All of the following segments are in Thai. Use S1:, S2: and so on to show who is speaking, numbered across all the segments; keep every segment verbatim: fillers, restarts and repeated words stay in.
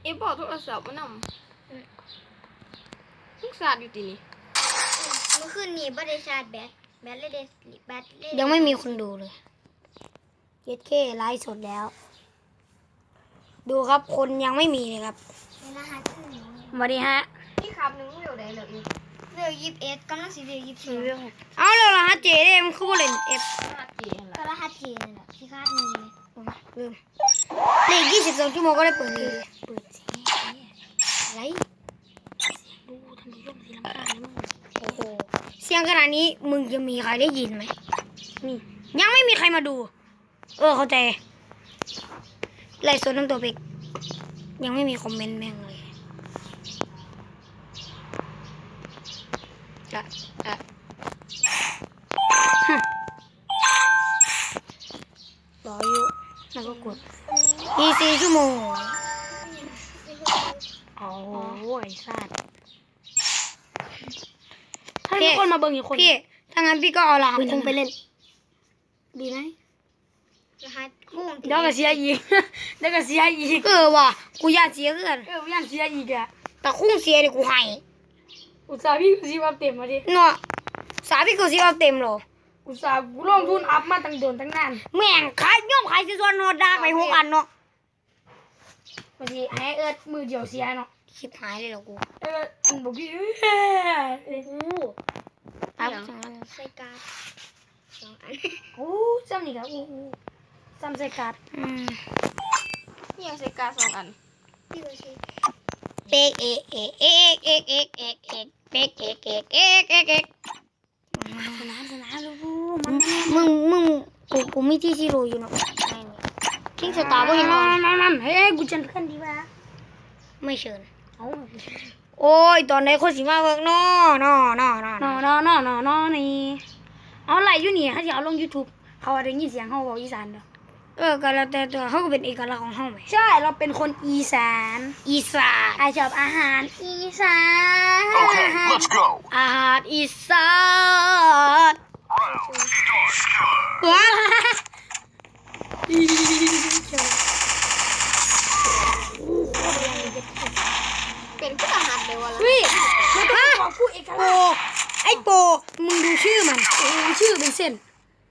S1: เอฟบอกโทรศัพท์มานำมึงสาดอยู่ตีนี่
S2: เมื่อคืนนี้บ่ได้ชาร์จแบตแบตเลยเดแบตเลย
S3: ยังไม่มีคนดูเลยเย็ดเคไลฟ์สดแล้วดูครับคนยังไม่มีเลยครับ
S2: เวลาหาขึ้น
S3: สวัสดีฮะ
S1: พี่ครับนึงเร็วได้เลย
S2: เร็วยี่สิบเอ็ดกำลังสิเร็วยี่สิบสอง
S3: เอาเลยเหรอฮะเจเด้มันคือบ่เล่นเอฟ
S1: ฮัดเจนละ
S2: ก็รหัสเจนน่ะที่คาดหนึ่งเลย
S3: ลืมเลขยี่สิบสองชั่วโมงก็ได้เปิดเลยเปิดเสียงอะไรดูทำดีร่มสีลำคาญนะมึงโอ้โหเสียงขนาดนี้มึงจะมีใครได้ยินไหมนี่ยังไม่มีใครมาดูเออเข้าใจไลฟ์สดน้ำตัวเป็กยังไม่มีคอมเมนต์แม่งเลยอะอะรออยู่แล้วก็กดอีกสี่ชั่วโมงโอ้ยสัตว์ถ้ามีคนมาเบิ่งอีกคนพี่ถ้างั้นพี่ก็เอาลาคงไปเล่นดีไหม
S2: รหัสคู่
S3: เดี๋ยวก็เสียอีกเดี๋ยวก็เสียอีกเออว่ะกูอยากเสียเกินเอออยากเสียอีกอะแต่คุ้งเสียดิกูให้อุตส่าห์พี่กูซีอัพเต็มมาดิเนาะสาพี่กูซีอัพเต็มหรออุตส่าห์กูลงทุนอัพมาตั้งโดนตั้งนานแม่งขายย่อมขายซีซัวโนดาไปหกอันเนาะบางทีให้เอิร์ดมือเดียวเสียเนาะคลิปหายเลยเหรอกูเอออันบอกพี่เอ้ยกูอัพสองอัน
S2: ใส่การ์ดสองอัน
S3: โอ้จำนี่ครับอู้จำใส่การ์ดอืม
S1: นี่ยังใส่การ์ดสองอัน
S2: พี่ก็ใช้
S3: เป๊กเอกเอกเอกเอกเอกเอกเอกเป๊กเอกเอกเอกเอกเอกสนานสนานลูกมันมึงมึงกูกูมีที่ซีโร่อยู่เนาะทิ้งสตาร์ก็ยังนอนนั่นนั่นเฮ้ยกูเชิญเพื่อนดีวะไม่เชิญโอ้ยตอนไหนคนสิมาเวิร์กนอนอนอนอนอนอนอนอนอนี่เอาอะไรอยู่นี่เขาจะเอาลง YouTube เขาได้ยินเสียงเขาบอกอีสานเด้อเออก็แล้วแต่ตัวเขาก็เป็นเอกลักษณ์ของเขาไหมใช่เราเป็นคนอีสานอีสานไอชอบอาหารอีสาน
S4: Okay, let's go.
S3: อาหารอีสานว้า
S1: เป็นผู้ทหารเลยวะล่ะ
S3: เฮ้ยมันเป็นของผู้เอกลักษณ์ไอโปมึงดูชื่อมันชื่อเป็นเส้น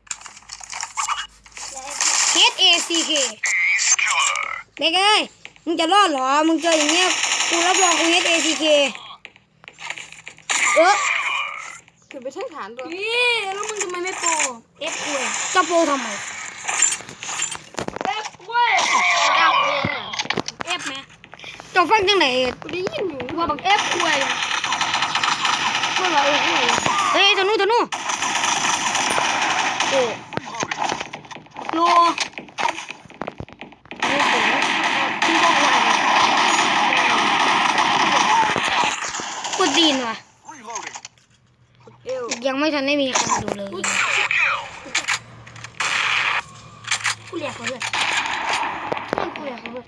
S3: H A C K เด็กเอ้ยมึงจะรอดเหรอมึงเจออย่างเงี้ยกูรับรองกู H A C K เออ
S1: คือไปทั้งฐานตัว
S3: นี่แล้วมึงทำไมไม่โปร F คุยจะโปรทำไม F คุย
S1: ดังเลยอ่ะ
S3: F ไหมจะฟังจังไหน
S1: กูได้ยินอยู่
S3: ว่าบัก F คุยเมื่อไหร่เฮ้ยตัวนู้นตัวนู้นโอ้โลกูดีนว่ะยังไม่ทันได้มีใครมาดูเลยกูเรียกเขาเลยกูเรียกเขาเลย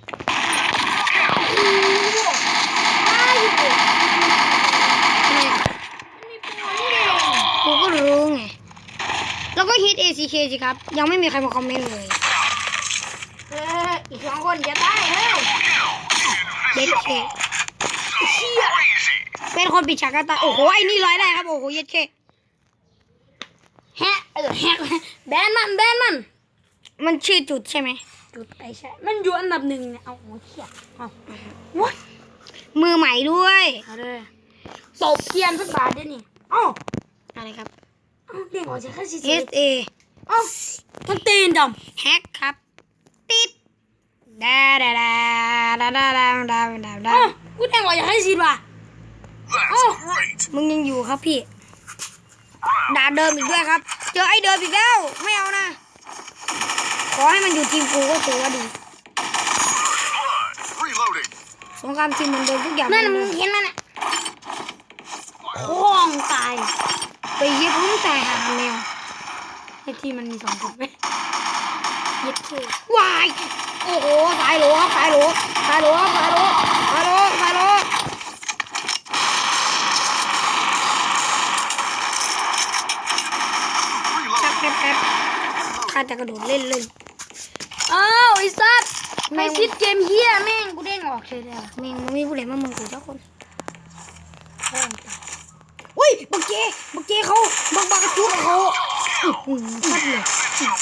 S3: กูก็รู้ไงแล้วก็ฮิต เอ ซี เค สิครับยังไม่มีใครมาคอมเมนต์เลยเอออีกสองคนจะตายเฮ้ยเด็ดเคเชี่ยเป็นคนปิดฉากกันตายโอ้โหไอ้นี่ร้อยได้ครับโอ้โหเย็ดเคแฮะเออแฮะแบนมันแบนมันมันชื่อจุดใช่ไหมจุดไอ้ใช่มันอยู่อันดับหนึ่งเนี่ยเอาโอ้เชี่ยเอาวัดมือใหม่ด้วยเอาเลยตบเทียนสักบาทเดี๋ยวนี้เอ้าอะไรครับเด้งออกจากค่าซีซี S A เอ้ามันตีนดำแฮกครับติดดาดาดาดาดาดาดาดาดากูเด้งออกจากค่าซีซีว่ะเอ้ามึงยังอยู่ครับพี่ดาเดิมอีกด้วยครับเจอไอ้เดิมอีกแล้วไม่เอานะขอให้มันอยู่ทีมกูก็ถือว่าดีสงครามทีมมันเดิมทุกอย่างนั่นมึงเห็นมันอ่ะคล้องตายไปเย็บพุ่งตายหาแมวไอ้ที่มันมีสองคนไหมเย็บเท่วายโอ้โหสายโหลครับสายโหลสายโหลครับสายโหลสายโหลสายโหลชักแป๊บแป๊บข้าจะกระโดดเล่นเลยอ้าวไอ้สัตว์ไม่ซิดเกมเฮียแม่งกูเด้งเหรออกเลยแล้วแม่งมันมีผู้เล่นมาเมืองกูเจ้าคนเฮ้ยบักเจบักเจเขาบักบักจุกเขาอื้อหือชัดเลย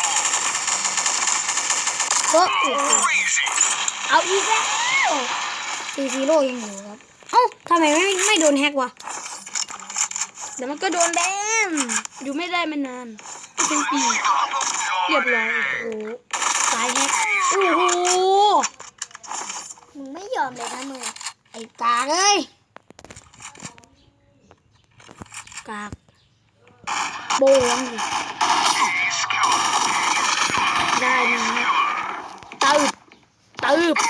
S3: ก็เอาอีกแล้วซีซีโร่ยังอยู่ครับเอ้าทำไมไม่ไม่โดนแฮกวะเดี๋ยวมันก็โดนแบนอยู่ไม่ได้มานานเป็นปีเรียบร้อยโอ้โหสายแฮกโอ้โห
S2: มึงไม่ยอมเลยนะมึง
S3: ไอ้กากเอ้ยกากโบงดิได้หนึ่งนะตืบตืบ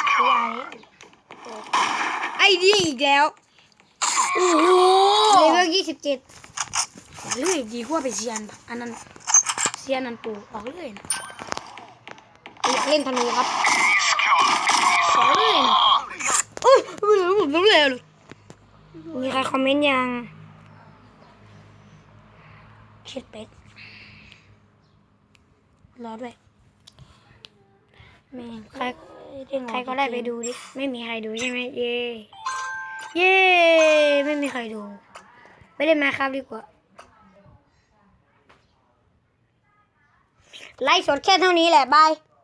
S3: ไอ้ดีอีกแล้วโอ้โหเลเวลยี่สิบเจ็ดเลื่อยดีกว่าไปเซียนอันนั้นเซียนนันปูออกเลื่อยนะอยากเล่นธนูครับขอเลื่อยนะเอ้ยผมรู้แล้วเลยมีใครคอมเมนต์ยังเช็ดเป็ดรอด้วยแม่งใครใครก็ได้ไปดูดิไม่มีใครดูใช่ไหมเย่เย่ไม่มีใครดูไปเล่นมาครับดีกว่าไลฟ์สดแค่เท่านี้แหละบาย